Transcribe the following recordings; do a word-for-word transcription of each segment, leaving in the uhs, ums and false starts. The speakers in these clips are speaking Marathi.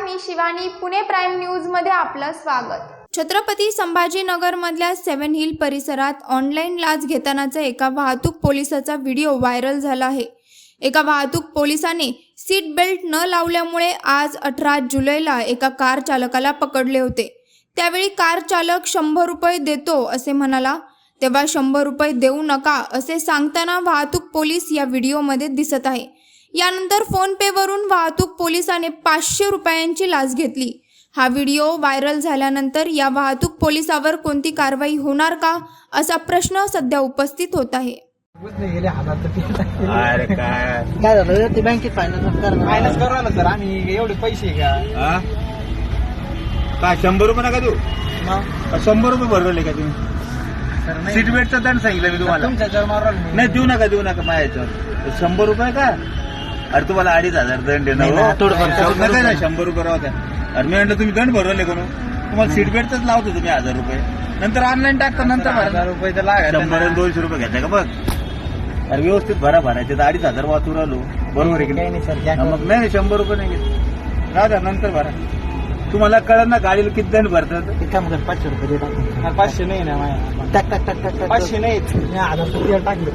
मी शिवानी, पुणे प्राईम न्यूज मध्ये आपलं स्वागत। छत्रपती संभाजीनगर मधल्या सेवन हिल परिसरात ऑनलाईन लाच घेतानाचा एका वाहतूक पोलिसाचा व्हिडिओ व्हायरल झाला आहे। एका वाहतूक पोलिसाने सीट बेल्ट न लावल्यामुळे आज अठरा जुलैला एका कार चालकाला पकडले होते। त्यावेळी कार चालक शंभर रुपये देतो असे म्हणाला, तेव्हा शंभर रुपये देऊ नका असे सांगताना वाहतूक पोलीस या व्हिडिओमध्ये दिसत आहे। यानंतर फोन पे वरून वाहतूक पोलिसाने पाचशे रुपयांची लाच घेतली। हा व्हिडिओ व्हायरल झाल्यानंतर या वाहतूक पोलिसावर कोणती कारवाई होणार का असा प्रश्न सध्या उपस्थित होत आहे। अरे काय काय झालं ते बँकेत फायनान्स करणार फायनान्स करू ना सर आम्ही, एवढे पैसे का हा? काय शंभर रुपये नका देऊ? मग शंभर रुपये भरवले का तुम्ही? सर नाही, सीट बेल्टचा दंड सांगितलं मी तुम्हाला। तुमच्या जर मारल मी नाही देऊ नका, देऊ नका माझ्या शंभर रुपये का? अरे तुम्हाला अडीच हजार दंड आहे नाही ना ना, हो? थोडंफार शंभर कमी नका ना, करू. शंभर रुपये राहत्या। अरे मी म्हणलं तुम्ही दंड भरवले करू, तुम्हाला सीट बेल्टच लावतो तुम्ही हजार रुपये, नंतर ऑनलाईन टाकता, नंतर हजार भरा। रुपये तर लागायला शंभर आणि दोनशे रुपये घेतले का बघ? अरे व्यवस्थित भरा, भरायचे तर अडीच हजार वाचून आलो, बरोबर आहे की काही नाही? नाही सर, घ्या हा, मग नाही शंभर रुपये नाही घेत, राहत्या नंतर भरा। तुम्हाला कळलं ना गाडीला किती दंड भरतात? ते काम कर पाचशे रुपये दे टाकून. करून. पाचशे नाही ना माझ्या, टाक टाक टाक टाक टाक पाचशे नाही मी हजार रुपये टाकले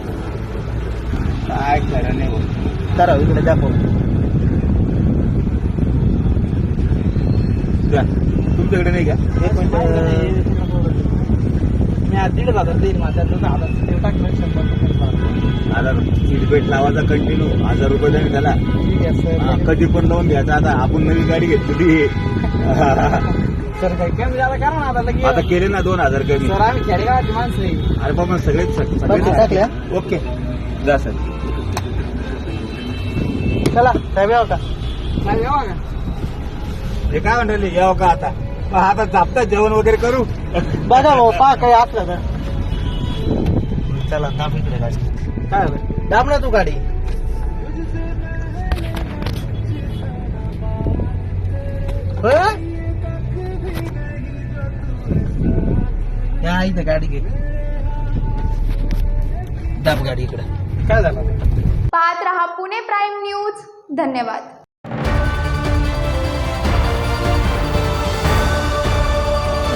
काय खरं नाही होत। करा इकडे दाखव. द्या. तुमच्याकडे नाही का? एक मिनिट मी आज दीड हजार देईल माझ्या दोन हजार टाकलं शंभर रुपये भरा. हजार सीट बेल्ट लावायचा कंटिन्यू, हजार रुपये दंड झाला। ठीक आहे हा, सर. कधी पण लावून घ्यायचा। आता आपण नवी गाडी घेतली सर काही कमी झाला करा ना आता लगेच. आता केले ना दोन हजार कमी। सर आम्ही खेडेगावाची माणसं आहे. अरे बाबा सगळे पैसे टाकले, ओके जा सर। चला साहेब यावं का? नाही येवा का? हे काय म्हणले यावं का? आता मग आता जापता जेवण वगैरे करू। बघा भाऊ पहा काही असलं तर. चला दाब इकडे गाडी. काय झालं? दाब ना तू गाडी. होय? या इथं गाडी घे. दाब गाडी इकडे. काय झालं? पाहत रहा पुणे प्राईम न्यूज। धन्यवाद।